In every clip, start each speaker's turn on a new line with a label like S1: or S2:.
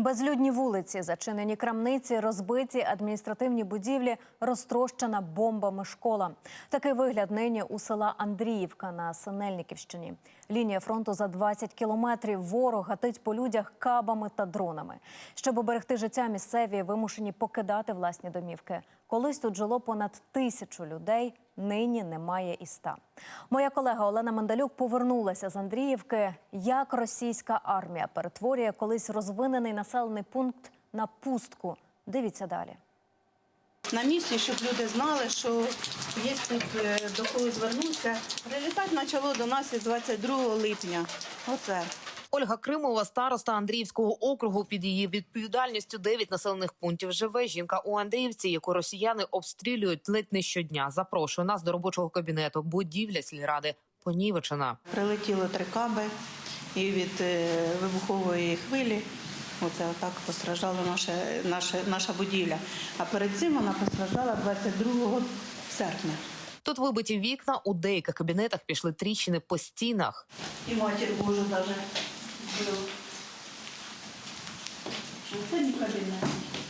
S1: Безлюдні вулиці, зачинені крамниці, розбиті адміністративні будівлі, розтрощена бомбами школа. Такий вигляд нині у села Андріївка на Синельниківщині. Лінія фронту за 20 кілометрів. Ворог гатить по людях кабами та дронами. Щоб оберегти життя, місцеві вимушені покидати власні домівки. Колись тут жило понад 1000 людей, нині немає і 100. Моя колега Олена Мандалюк повернулася з Андріївки. Як російська армія перетворює колись розвинений населений пункт на пустку. Дивіться далі.
S2: На місці, щоб люди знали, що є тут до кого звернутися. Прилітати почало до нас із 22 липня. Оце.
S3: Ольга Кримова, староста Андріївського округу. Під її відповідальністю 9 населених пунктів живе. Жінка у Андріївці, яку росіяни обстрілюють ледь не щодня. Запрошує нас до робочого кабінету. Будівля сільради понівечена.
S2: Прилетіло 3 каби і від вибухової хвилі оце отак постраждала наша будівля. А перед цим вона постраждала 22 серпня.
S3: Тут вибиті вікна, у деяких кабінетах пішли тріщини по стінах.
S2: І матір Божу навіть був. Це не кабінет.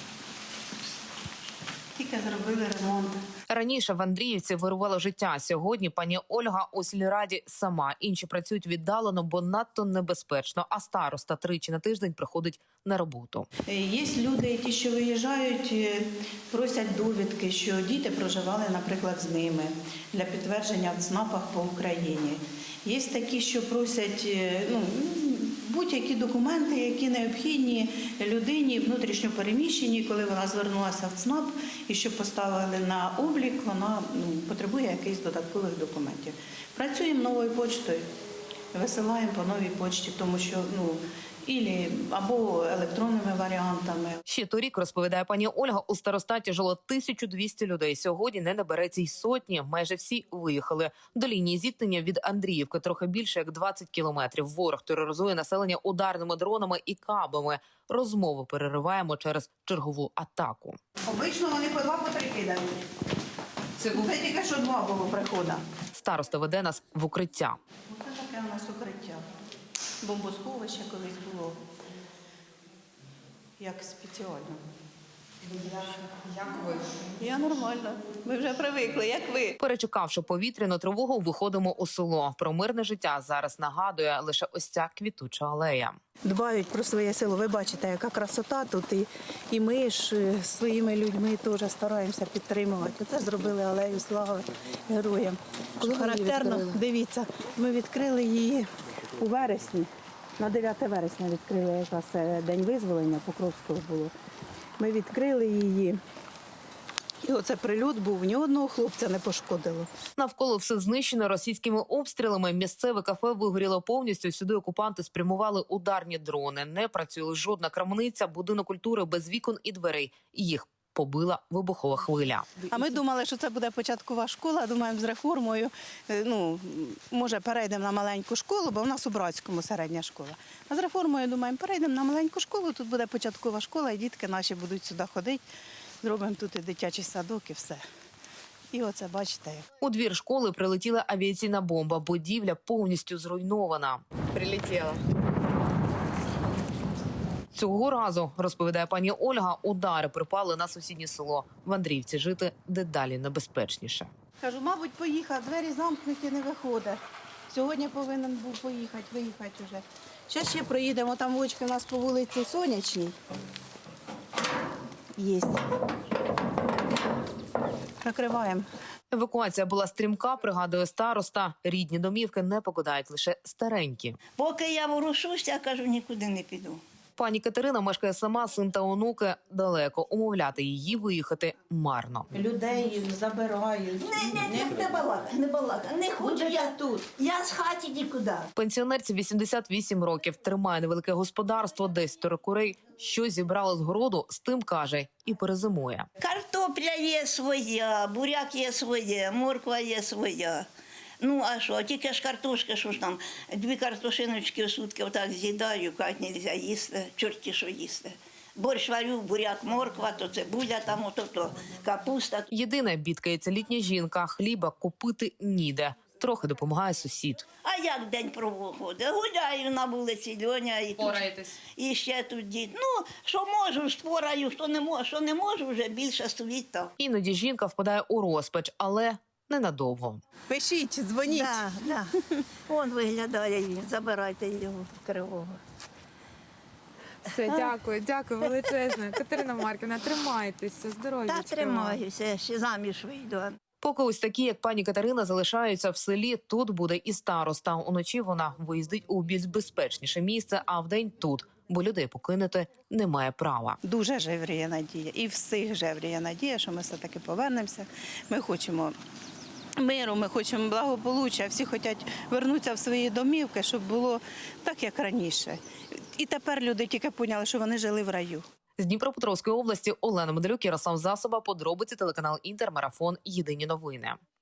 S2: Тільки зробили ремонт.
S3: Раніше в Андріївці вирувало життя. Сьогодні пані Ольга у сільраді сама. Інші працюють віддалено, бо надто небезпечно. А староста 3 на тиждень приходить на роботу.
S2: Є люди, ті, що виїжджають, просять довідки, що діти проживали, наприклад, з ними для підтвердження в ЦНАПах по Україні. Є такі, що просять будь-які документи, які необхідні людині внутрішньо переміщеній, коли вона звернулася в ЦНАП і щоб поставили на облік, вона потребує якихось додаткових документів. Працюємо новою поштою, висилаємо по новій почті, тому що або електронними варіантами.
S3: Ще торік, розповідає пані Ольга, у старостаті жило 1200 людей. Сьогодні не набереться й сотні. Майже всі виїхали. До лінії зіткнення від Андріївки трохи більше як 20 кілометрів. Ворог тероризує населення ударними дронами і кабами. Розмову перериваємо через чергову атаку.
S2: Обично вони по 2, по 3 кидають. Це тільки що 2 було приходу.
S3: Староста веде нас в укриття.
S2: Оце таке у нас укриття. Бомбосховище колись було. Як спеціально. Як ви? Я нормально. Ми вже привикли, як ви.
S3: Перечекавши повітряну тривогу, виходимо у село. Про мирне життя зараз нагадує лише ось ця квітуча алея.
S2: Дбають про своє село. Ви бачите, яка красота тут. І ми ж своїми людьми теж стараємося підтримувати. Оце зробили алею слави героям. Що характерно, дивіться, ми відкрили її у вересні. На 9 вересня відкрили, якраз День визволення Покровського було. Ми відкрили її. І оце прильот був, ні одного хлопця не пошкодило.
S3: Навколо все знищено російськими обстрілами. Місцеве кафе вигоріло повністю. Сюди окупанти спрямували ударні дрони. Не працює жодна крамниця, будинок культури без вікон і дверей. Їх побила вибухова хвиля.
S2: А ми думали, що це буде початкова школа. Думаємо, з реформою, може, перейдемо на маленьку школу, бо в нас у Братському середня школа. А з реформою, думаємо, перейдемо на маленьку школу, тут буде початкова школа, і дітки наші будуть сюди ходити. Зробимо тут і дитячий садок, і все. І оце, бачите.
S3: У двір школи прилетіла авіаційна бомба. Будівля повністю зруйнована.
S4: Прилетіла.
S3: Цього разу, розповідає пані Ольга, удари припали на сусіднє село. В Андріївці жити дедалі небезпечніше.
S2: Кажу, мабуть, поїхав, двері замкнуті, не виходить. Сьогодні повинен був виїхати вже. Зараз ще проїдемо, там вочки у нас по вулиці Сонячній. Є. Накриваємо.
S3: Евакуація була стрімка, пригадує староста. Рідні домівки не покидають лише старенькі.
S5: Поки я ворушусь, я кажу, нікуди не піду.
S3: Пані Катерина мешкає сама, син та онуки далеко. Умовляти її виїхати марно.
S2: Людей забирають.
S5: Не балака. Не хочу я тут. Я з хаті нікуди.
S3: Пенсіонерці 88 років, тримає невелике господарство, 10 курей. Що зібрала з городу, з тим, каже, і перезимує.
S5: Картопля є своя, буряк є своє, морква є своя. Ну, а що, тільки ж картошка, що ж там, 2 картошиночки в сутки отак з'їдаю, як не можна їсти, чорті що їсти. Борщ варю, буряк, морква, то цибуля, там то капуста.
S3: Єдине, бідкається літня жінка, хліба купити ніде. Трохи допомагає сусід.
S5: А як день проходить? Гуляю на вулиці, Льоня і тут. І ще тут дід. Ну, що можу, спораю, що не можу, вже більше стоїть так.
S3: Іноді жінка впадає у розпач, але ненадовго.
S4: Пишіть, дзвоніть.
S5: Да. Он виглядає він, забирайте його кривого.
S4: Все, дякую величезно. Катерина Марківна, тримайтеся, здоров'я.
S5: Та тримаюся, ще заміж вийду.
S3: Поки ось такі, як пані Катерина, залишаються в селі, тут буде і староста. Уночі вона виїздить у більш безпечніше місце, а вдень тут, бо людей покинути немає права.
S6: Дуже жевріє надія. І всіх жевріє надія, що ми все-таки повернемося. Ми хочемо миру, ми хочемо благополуччя. Всі хочуть вернутися в свої домівки, щоб було так, як раніше. І тепер люди тільки поняли, що вони жили в раю.
S3: З Дніпропетровської області Олена Медалюк, Ярослав Засоба, подробиці, телеканал Інтер, Марафон, Єдині новини.